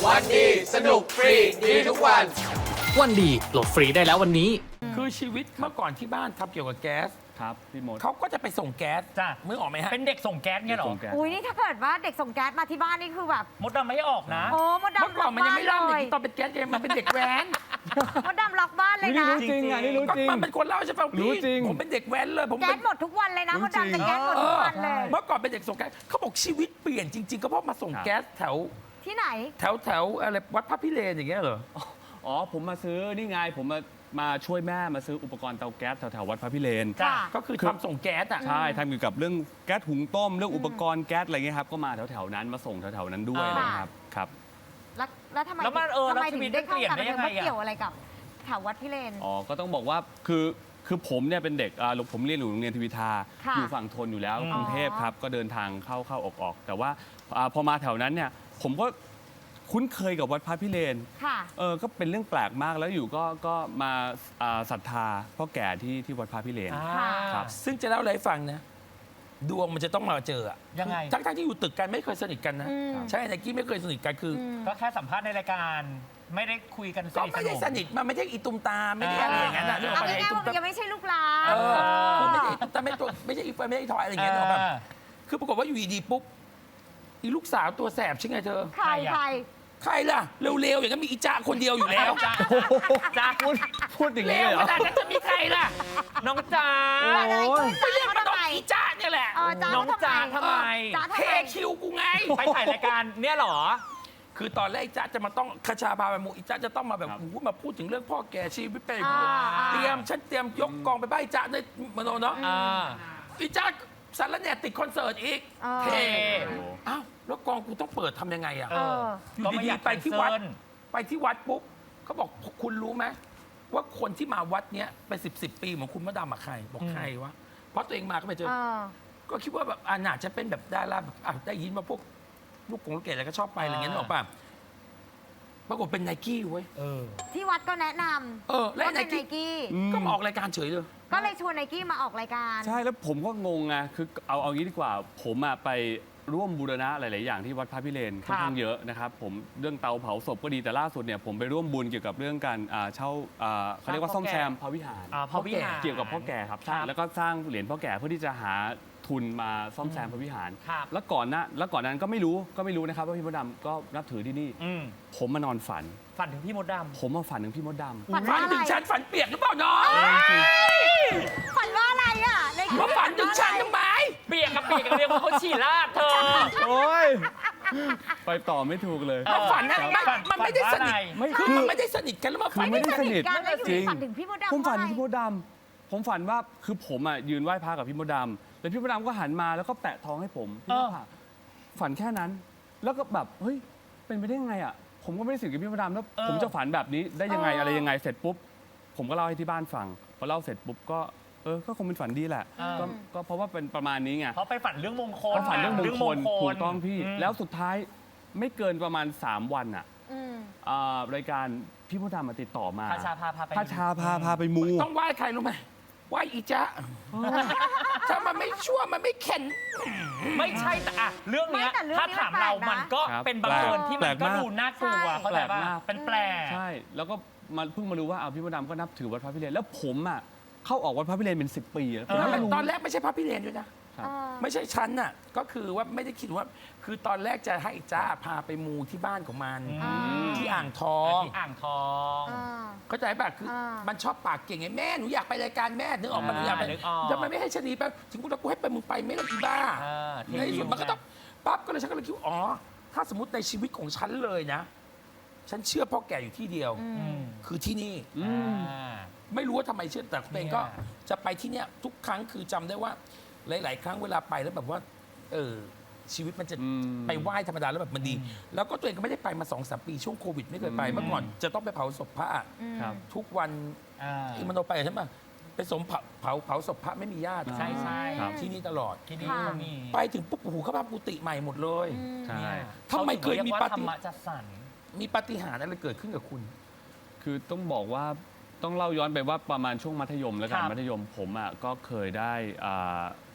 วันดีสนุกฟรีดีทุกวันวันดีโหลดฟรีได้แล้ววันนี้คือชีวิตเมื่อก่อนที่บ้านทำเกี่ยวกับแก๊สครับพี่มดเขาก็จะไปส่งแก๊สจ้ะมึงออกไหมฮะเป็นเด็กส่งแก๊สเนี่ยเหรอส่งแก๊สอุ้ยนี่ถ้าเกิดว่าเด็กส่งแก๊สมาที่บ้านนี่คือแบบมดดำไม่ให้ออกนะโอ้มดเมื่อดำก่ล็ออน กมันยังบ้านไม่เลเล่าเด็กยตอนเป็นแก๊สเองมันเป็นเด็กแว้นมดดำล็อกบ้านเลยนี่นะรู้จริงอ่ะนี่รู้ก็จริงมันเป็นคนเล่าใช่ป่ะรู้พี่จริงผมเป็นเด็กแว้นเลยผมแก๊เป็สนหมดทุกวันเลยนะรู้มดดำจะจริงแก๊สหมดทุกวันเลยเมื่อก่อนเป็นเด็กส่งแก๊สเขาบอกชีวิตเปลี่ยนจริง ๆ ก็เพราะมาส่งแก๊สแถวที่ไหนแถวอะไรวัดพระพิเรนอย่างเงี้ยเหรออ๋อผมมาซื้อนี่ไงผมมาช่วยแม่มาซื้ออุปกรณ์เตาแก๊สแถวๆวัดพระพิเรนค่ะก็คือทำส่งแก๊สอ่ะใช่ทำเกี่ยวกับเรื่องแก๊สหุงต้มเรื่องอุปกรณ์แก๊สอะไรเงี้ยครับก็มาแถวๆนั้นมาส่งแถวๆนั้นด้วยอ่านะครับครับแล้วทำไมแล้วมันทำไมแล้วชีถึงวิตได้เข้ามันเปลี่ยนการได้บันยัเทิงงไงมาอะเกี่ยวอะไรกับแถววัดพิเรนอ๋อก็ต้องบอกว่าคือผมเนี่ยเป็นเด็กผมเรียนอยู่โรงเรียนทวีทาค่ะอยู่ฝั่งทนอยู่แล้วอ๋อกรุงเทพครับก็เดินทางเข้าออกแต่ว่าพอมาแถวนั้นเนี่ยผมก็คุ้นเคยกับวัดพระพิเรนค่ะก็เป็นเรื่องแปลกมากแล้วอยู่ก็มาศรัทธาพ่อแก่ที่วัดพระพิเรนอ่าครับซึ่งจะเล่าอะไรให้ฟังนะ ดวงมันจะต้องมาเจออะยังไงทั้งที่อยู่ตึกกันไม่เคยสนิทกันนะอืมใช่ไนกี้ไม่เคยสนิทกันคืออก็แค่สัมภาษณ์ในรายการ ไม่ได้คุยกันสก็นิทสไม่นได้มสนิทมันไม่ใช่อีตุมตามไม่ได้อะไรอย่างนั้นนะนึกออกเอาปะง่ายๆไอ้ตุมว่าตามยังไม่ใช่ลูกหลานคือไม่ใช่อีตุมตามไม่ใช่อีเฟิร์นไม่ใช่อีทอยอะไรอย่างเงี้ยนึกออกปะคือปรากฏว่าอยู่ดีๆปุ๊บอีลูกสาวตัวแสบใช่ไงเธอใครใครใครล่ะเร็วๆอย่างนั้นมีอีจ้าคนเดียวอยู่แล้วจ้าพูดอย่างเร็นี้วเลยเหรขอนาดนั้นจะมีใครล่ะน้องจ้าอะไรช่วยไปเรียกจ้ามันทำต้องไมอีจ้าเนี่ยแหละจ้าน้องจ๊ะทำไมจ้าทำเคไมคิวกูไงไปถ่ายรายการเนี่ยเหรอคือตอนแรกจ้าจะมาต้องคชาพาไปมูอีจ้าจะต้องมาแบบครับโอ้โหมาพูดถึงเรื่องพ่อแก่ชีวิตไปอ่าฉันเตรียมยกกองไปใบ้จ้าในมโนเนาะอ่าอีจ้าสารแหน่ติดคอนเสิร์ตอีกเออเทอ้าวแล้วกองกูต้องเปิดทำยังไงอะเอออยู่ก็ไม่ดีอยากๆไปที่วัดแคนเซิลไปที่วัดปุ๊บเขาบอกคุณรู้ไหมว่าคนที่มาวัดเนี้ยเป็น10 ปีเหมือนคุณมะดำอะใครบอกใครวะเพราะตัวเองมาก็ไปเจอเออก็คิดว่าแบบน่าจะเป็นแบบดาราแบบได้ยินมาพวกลูกเกดอะไรก็ชอบไปอะไรอย่างเงี้ยนึกออกป่ะปรากฏเป็นไนกี้เว้ยที่วัดก็แนะนำและว่าไนเป็นไนกี้กี้ก็มาออกรายการเฉยเลยก็เลยชวนไนกี้มาออกรายการใช่แล้วผมก็งงไงคือเอางี้ดีกว่า ผมไปร่วมบูรณะหลาย ๆ อย่างที่วัดพระพิเรนค่อนข้างเยอะนะครับผมเรื่องเตาเผาศพก็ดีแต่ล่าสุดเนี่ยผมไปร่วมบุญเกี่ยวกับเรื่องการเช่าเขาเรียกว่าซ่อมแซมพระวิหารพระวิหารเกี่ยวกับพ่อแก่ครับครับแล้วก็สร้างเหรียญพ่อแก่เพื่อที่จะหาทุนมาซ่อมแซมพระวิหารครับแล้วก่อนนั้นก็ไม่รู้นะครับว่าพี่มดดำก็นับถือที่นี่อืมผมมานอนฝันฝันถึงพี่มดดผมมาฝันถึงพี่มดดำฝันฝัว่าน อะไรถึงฉันฝันเปียกหรือเปล่าน้องฝันว่าอะไรอ่ะไนกี้มาฝันถึงฉันทำไมำเปียกกับเปียกกับเรียกว่าเขาฉี่ราดเธอโอ้ยไปต่อไม่ถูกเลยเออมาฝันอะไรมันไม่ได้สนิทไม่คือคือมันไม่ได้สนิทกันแล้วมาคืฝัอน ไม่ได้สนิทกันแล้วอยู่จริดีงฝันถึงพี่มดดำผมฝันว่าถึงพี่มดดำผมฝันว่าคือผมยืนไหว้พระกับพี่มดดำแล้วพี่มดดำก็หันมาแล้วก็แปะทองให้ผมพี่มดดำฝันแค่นั้น แล้วก็แบบเฮ้ยเป็นไปได้ยังไงอ่ะผมก็ไม่ได้สนิทกับพี่มดดำแล้วผมจะฝันแบบนี้ได้ยังไงอะไรยังไงเสร็จปุ๊บผมก็เล่าให้ที่บ้านฟังพอเล่าเสร็จปุ๊บก็คงเป็นฝันดีแหละเออก็เพราะว่าเป็นประมาณนี้ไงเพราะไปฝันเรื่องมงคลก็ฝันเรื่องมงคลถูกต้องพี่มแล้วสุดท้ายไม่เกินประมาณ 3 วันอ่ะอืมรายการพี่มดดำมาติดต่อมาพาชาพาไปพาชาพาไปมูต้องไหว้ใครรู้ไหมไหว้อีจ๊ะถ้ามันไม่ชั่วมันไม่เข็นไม่ใช่แต่อะเรื่องเนี้ยไม่แต่เรื่องถ้านี้ถามมันแปลเรากนะมันก็ครับเป็นบังเอิญที่แปมัลนกก็มากดูน่ากลัวเข้าใจแปลป่ะกมากเป็นแปลกใช่ แล้วก็มาเพิ่งมารู้ว่าพี่มดดำก็นับถือวัดพระพิเรนแล้วผมเข้าออกวัดพระพิเรนเป็น 10 ปีแล้วผมไม่รู้ตอนแรกไม่ใช่พระพิเรนด้วยนะครับเออไม่ใช่ฉันน่ะ ก็คือว่าไม่ได้คิดว่า คือตอนแรกจะให้จ้าพาไปมูที่บ้านของมันอ่าที่อ่างทองที่อ่างทองอ่าเข้าใจป่ะคืออา มันชอบปากเก่งไงแม่หนูอยากไปรายการแม่นึกออกมาหนูอยากไปนึกออกทำไมไม่ให้ชะนีไปถึงกูจะกูให้ไปมึงไปไม่ละอีบ้า ในที่สุดมันก็ต้องปั๊บก็เลยฉันก็เลยคิดว่าอ๋อ ถ้าสมมติในชีวิตของฉันเลยนะ ฉันเชื่อพ่อแก่อยู่ที่เดียวอืมคือที่นี่อืมอ่าไม่รู้ว่าทำไมเชื่อแต่ตัวเองก็เนี่ยจะไปที่เนี่ยทุกครั้งคือจำได้ว่าหลาย ๆ ครั้งเวลาไปแล้วแบบว่า ชีวิตมันจะอืมไปไหว้ธรรมดาแล้วแบบมันดี แล้วก็ตัวเองก็ไม่ได้ไปมา2-3 ปีช่วงโควิดไม่เคยไปเมื่อก่อนจะต้องไปเผาศพพระครับทุกวันอ่าที่มันโนไปใช่ไหมไปสมเผาศพพระไม่มีญาติใช่ใช่ครับที่นี่ตลอดที่นี่ค่ะก็มีไปถึงปุ๊บโอ้โหเขาทำกุฏิใหม่หมดเลยใช่เนี่ยทำไมเคยมีขาปาถึงรีกว่าธรฏิรมะจัดสรรมีปาฏิหาริย์อะไรเกิดขึ้นกับคุณคือต้องบอกว่าต้องเล่าย้อนไปว่าประมาณช่วงมัธยมแล้วกันครับมัธยมผมก็เคยได้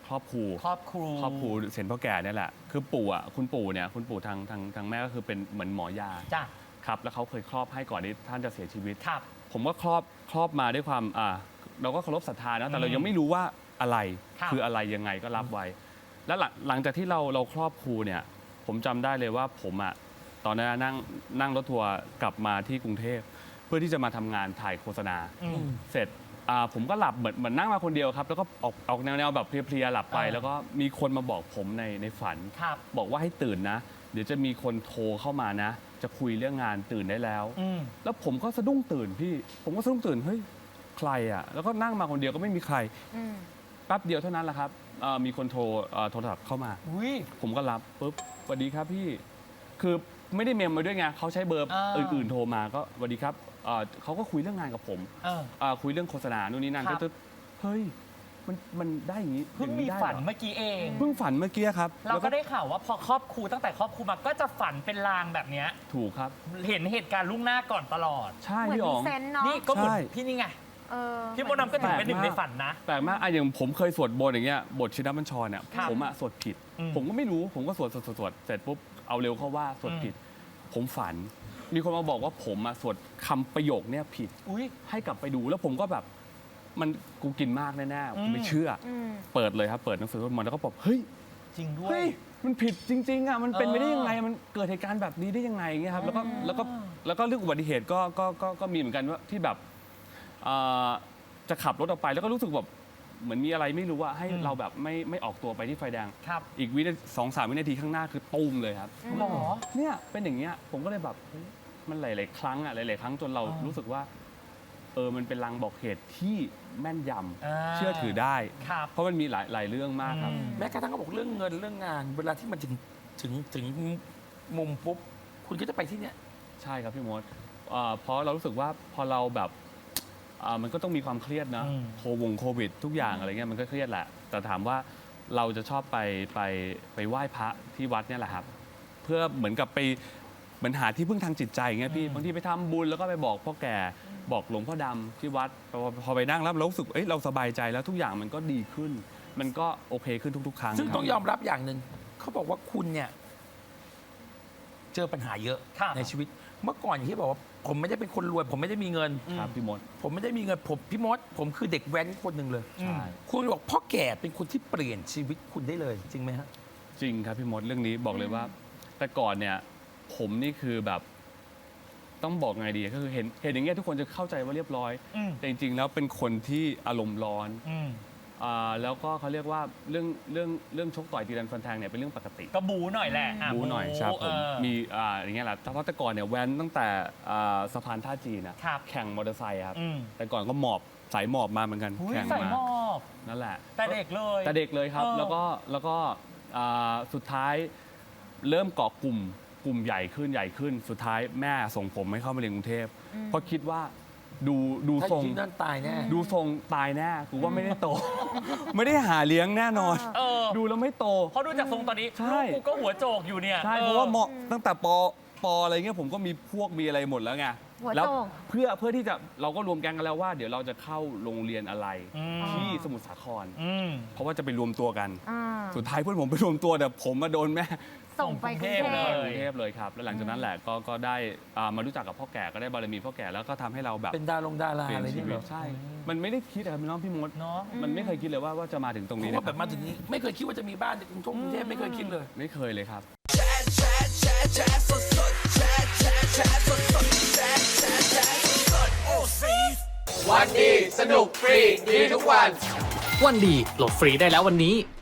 ครอบครูครอบครูเซนพ่อแก่เนี่ยแหละคือปู่อ่ะคุณปู่ทางแม่ก็คือเป็นเหมือนหมอยาจ้ะครับแล้วเขาเคยครอบให้ก่อนที่ท่านจะเสียชีวิตครับผมก็ครอบมาด้วยความเราก็เคารพศรัทธานะแต่เรายังไม่รู้ว่าอะไรครับคืออะไรยังไงก็รับไว้ แล้วหลังจากที่เราครอบครูเนี่ยผมจำได้เลยว่าผมอ่ะตอนนั้นนั่งรถทัวร์กลับมาที่กรุงเทพเพื่อที่จะมาทำงานถ่ายโฆษณาอืมเสร็จผมก็หลับเหมือนนั่งมาคนเดียวครับแล้วก็ออกแนวแบบเพลียๆหลับไป แล้วก็มีคนมาบอกผมในฝันครับบอกว่าให้ตื่นนะ เดี๋ยวจะมีคนโทรเข้ามานะ จะคุยเรื่องงานตื่นได้แล้วอืมแล้วผมก็สะดุ้งตื่นพี่ ผมก็สะดุ้งตื่นเฮ้ยใครอ่ะแล้วก็นั่งมาคนเดียวก็ไม่มีใครอืมแป๊บเดียวเท่านั้นแหละครับมีคนโทรศัพท์เข้ามาอุ้ยผมก็รับปุ๊บสวัสดีครับพี่ คือไม่ได้เมมมาด้วยไงเขาใช้เบอร์อ่าอื่นๆโทรมาก็สวัสดีครับเขาก็คุยเรื่องงานกับผมเออคุยเรื่องโฆษณานู่นนี่นั่นครัก็บจะเฮ้ยมันได้อย่างนี้เพิ่งอย่างมีนี้ได้ฝันเหรอเมื่อกี้เองเพิ่งฝันเมื่อกี้ครับเราแล้วก็ได้ข่าวว่าพอครอบครูตั้งแต่ครอบครูมาก็จะฝันเป็นลางแบบเนี้ยถูกครับเห็นเหตุการณ์ล่วงหน้าก่อนตลอดใช่เหมือนพี่อ๋มีองเซนส์เนาะนี่ก็เหมือนใช่พี่นี่ไงเออพี่มดดำก็ถือเป็นหนึ่งในฝันนะแปลกมากอย่างผมเคยสวดบนต์อย่างเงี้ยบทชินบัญชรเนี่ยครับผมสวดผิดอืมผมก็ไม่รู้ผมก็สวดเสร็จปุ๊บเอาเร็วเข้าว่าสวดผิด ผมฝัน มีคนมาบอกว่าผมสวดคำประโยคเนี่ยผิดอุ้ยให้กลับไปดูแล้วผมก็แบบมันกูกินมากแน่ๆผมไม่เชื่อออืมเปิดเลยครับเปิดหนังสือสวดมนต์แล้วก็บอกเฮ้ยจริงด้วยเฮ้ยมันผิดจริงๆมันเป็นไปได้ยังไงมันเกิดเหตุการณ์แบบนี้ได้ยังไงเงี้ยครับแล้วก็เรื่องอุบัติเหตุก็มีเหมือนกันว่าที่แบบจะขับรถออกไปแล้วก็รู้สึกแบบเหมือนมีอะไรไม่รู้ว่าให้เราแบบไม่ออกตัวไปที่ไฟแดงครับอีก2-3 วินาทีข้างหน้าคือตูมเลยครับหรอเนี่ยเป็นอย่างเงี้ยผมก็เลยแบบเฮ้ยมันหลายๆครั้งหลายๆครั้งจนเรารู้สึกว่ามันเป็นลางบอกเหตุที่แม่นยำเชื่อถือได้ครับเพราะมันมีหลายเรื่องมากครับแม้กระทั่งเขาบอกเรื่องเงินเรื่องงาน เวลาที่มันถึงมุมปุ๊บ คุณก็จะไปที่เนี้ยใช่ครับพี่มดเพราะเรารู้สึกว่าพอเราแบบมันก็ต้องมีความเครียดนะอืมโควิดทุกอย่างอะไรเงี้ยมันก็เครียดแหละ แต่ถามว่าเราจะชอบไปไหว้พระที่วัดเนี่ยแหละครับ เพื่อเหมือนกับไปเหมือนหาที่พึ่งทางจิตใจอย่างเงี้ยพี่บางทีไปทำบุญแล้วก็ไปบอกพ่อแก่บอกหลวงพ่อดำที่วัดพอไปนั่งแล้วเรารู้สึกเราสบายใจแล้วทุกอย่างมันก็ดีขึ้น มันก็โอเคขึ้นทุกๆ ครั้งซึ่งครับต้องยอมรับอย่างหนึ่ง เขาบอกว่าคุณเนี่ย เจอปัญหาเยอะครับในชีวิต เมื่อก่อนอย่างที่บอกว่า ผมไม่ได้เป็นคนรวย ผมไม่ได้มีเงินครับพี่มดผมไม่ได้มีเงินพี่มด ผมคือเด็กแว้นคนหนึ่งเลยใช่คุณบอกพ่อแก่เป็นคนที่เปลี่ยนชีวิตคุณได้เลย จริงไหมฮะจริงครับพี่มดเรื่องนี้บอกเลยว่า แต่ก่อนเนี่ยผมนี่คือแบบต้องบอกไงดีก็คือเห็นอย่างเงี้ยทุกคนจะเข้าใจว่าเรียบร้อยอืมแต่จริงๆแล้วเป็นคนที่อารมณ์ร้อนอืมแล้วก็เขาเรียกว่าเรื่องชกต่อยตีรันฟันแทงเนี่ยเป็นเรื่องปกติก็บูหน่อยแหละะบูหน่อยครับผมเออมีอย่างเงี้ยแหละเพราะแต่ก่อนเนี่ยแว้นตั้งแต่สะพานท่าจีนนะครับ แข่งมอเตอร์ไซค์ครับอืมแต่ก่อนก็หมอบสายหมอบมาเหมือนกันอุ้ยแข่งใส่มาหมอบนั่นแหละแต่เด็กเลยแต่เด็กเลยครับเออแล้วก็สุดท้ายเริ่มเกาะกลุ่มใหญ่ขึ้นสุดท้ายแม่ส่งผมให้เข้ามาเรียนกรุงเทพเพราะคิดว่าดูถ้าทรงที่นั่นตายแน่ดูทรงตายแน่กูว่าไม่ได้โต ไม่ได้หาเลี้ยงแน่นอนเออดูแล้วไม่โตเพราะดูจากทรงตอนนี้ใช่ลูกกูก็หัวโจกอยู่เนี่ยใช่เพราะว่าเหมาะตั้งแต่ปอะไรเงี้ยผมก็มีพวกมีอะไรหมดแล้วไงหัวโจกแล้วเพื่อที่จะเราก็รวมแก๊งกันแล้วว่า เดี๋ยวเราจะเข้าโรงเรียนอะไรอืมที่สมุทรสาครอืมเพราะว่าจะไปรวมตัวกันอ่าสุดท้ายเพื่อนผมไปรวมตัวแต่ผมมาโดนแม่ส่งไปกรุงเทส่งกรุงเทพพเลกรุงเทพเลยครับ แล้วหลังจากนั้นแหละก็ได้มารู้จักกับพ่อแก่ก็ได้บารมีพ่อแก่แล้วก็ทำให้เราแบบเป็นดาราเปลี่ยนอะไรชีนี่วิเหรตอใช่ มันไม่ได้คิดอะครับน้องพี่มดเนาะมันไม่เคยคิดเลยว่าจะมาถึงตรงเพนี้ราะว่านะคแบรับบมาถึงนี้ไม่เคยคิดว่าจะมีบ้านในกรุงเทพไม่เคยคิดเลยไม่เคยเลยครับวันดีสนุกฟรีดีทุกวันวันดีโหลดฟรีได้แล้ววันนี้